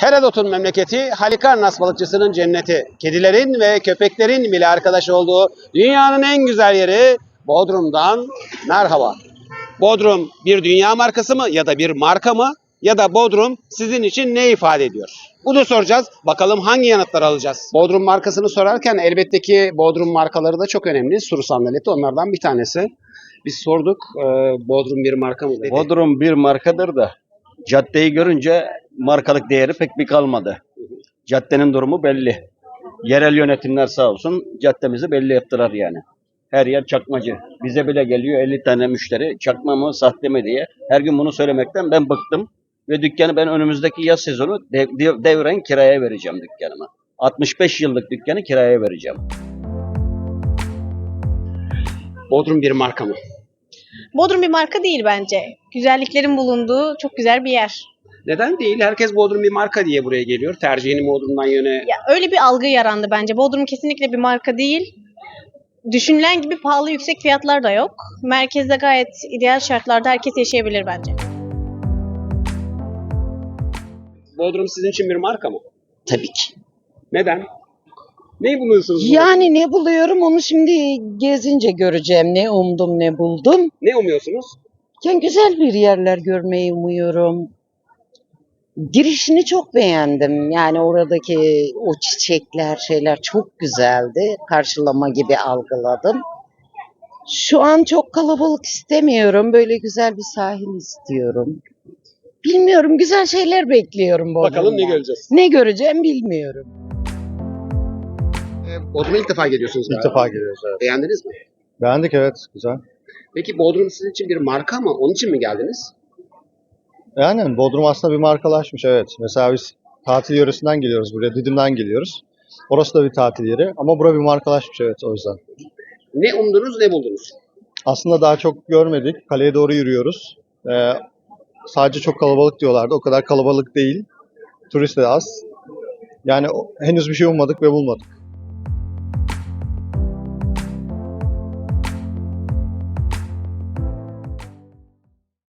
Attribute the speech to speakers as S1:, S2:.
S1: Herodot'un memleketi, Halikarnas balıkçısının cenneti, kedilerin ve köpeklerin bile arkadaş olduğu dünyanın en güzel yeri Bodrum'dan merhaba. Bodrum bir dünya markası mı ya da bir marka mı? Ya da Bodrum sizin için ne ifade ediyor? Bunu soracağız. Bakalım hangi yanıtlar alacağız? Bodrum markasını sorarken elbette ki Bodrum markaları da çok önemli. Suru sandaleti onlardan bir tanesi. Biz sorduk, Bodrum bir marka mı dedi.
S2: Bodrum bir markadır da caddeyi görünce markalık değeri pek bir kalmadı. Caddenin durumu belli. Yerel yönetimler sağ olsun caddemizi belli ettiler yani. Her yer çakmacı. Bize bile geliyor 50 tane müşteri çakma mı sahte mi diye. Her gün bunu söylemekten ben bıktım. Ve dükkanı ben önümüzdeki yaz sezonu devren kiraya vereceğim dükkanıma. 65 yıllık dükkanı kiraya vereceğim.
S1: Bodrum bir marka mı?
S3: Bodrum bir marka değil bence. Güzelliklerin bulunduğu çok güzel bir yer.
S1: Neden değil? Herkes Bodrum bir marka diye buraya geliyor. Tercihini Bodrum'dan yöne...
S3: Ya öyle bir algı yarandı bence. Bodrum kesinlikle bir marka değil. Düşünülen gibi pahalı yüksek fiyatlar da yok. Merkezde gayet ideal şartlarda herkes yaşayabilir bence.
S1: Bodrum sizin için bir marka mı?
S4: Tabii ki.
S1: Neden? Ne buluyorsunuz burada?
S4: Yani ne buluyorum onu şimdi gezince göreceğim. Ne umdum ne buldum.
S1: Ne umuyorsunuz?
S4: Yani güzel bir yerler görmeyi umuyorum. Girişini çok beğendim. Yani oradaki o çiçekler şeyler çok güzeldi. Karşılama gibi algıladım. Şu an çok kalabalık istemiyorum. Böyle güzel bir sahil istiyorum. Bilmiyorum, güzel şeyler bekliyorum Bodrum'dan.
S1: Bakalım ne göreceğiz?
S4: Ne göreceğim bilmiyorum.
S1: Bodrum'a ilk defa geliyorsunuz
S5: İlk
S1: galiba.
S5: defa geliyoruz, evet.
S1: Beğendiniz mi?
S5: Beğendik, evet, güzel.
S1: Peki Bodrum sizin için bir marka mı? Onun için mi geldiniz?
S5: Yani Bodrum aslında bir markalaşmış, evet. Mesela biz tatil yöresinden geliyoruz buraya, Didim'den geliyoruz. Orası da bir tatil yeri ama bura bir markalaşmış, evet, o yüzden.
S1: Ne umdunuz ne buldunuz?
S5: Aslında daha çok görmedik, kaleye doğru yürüyoruz. Sadece çok kalabalık diyorlardı, o kadar kalabalık değil. Turist de az. Yani henüz bir şey ummadık ve bulmadık.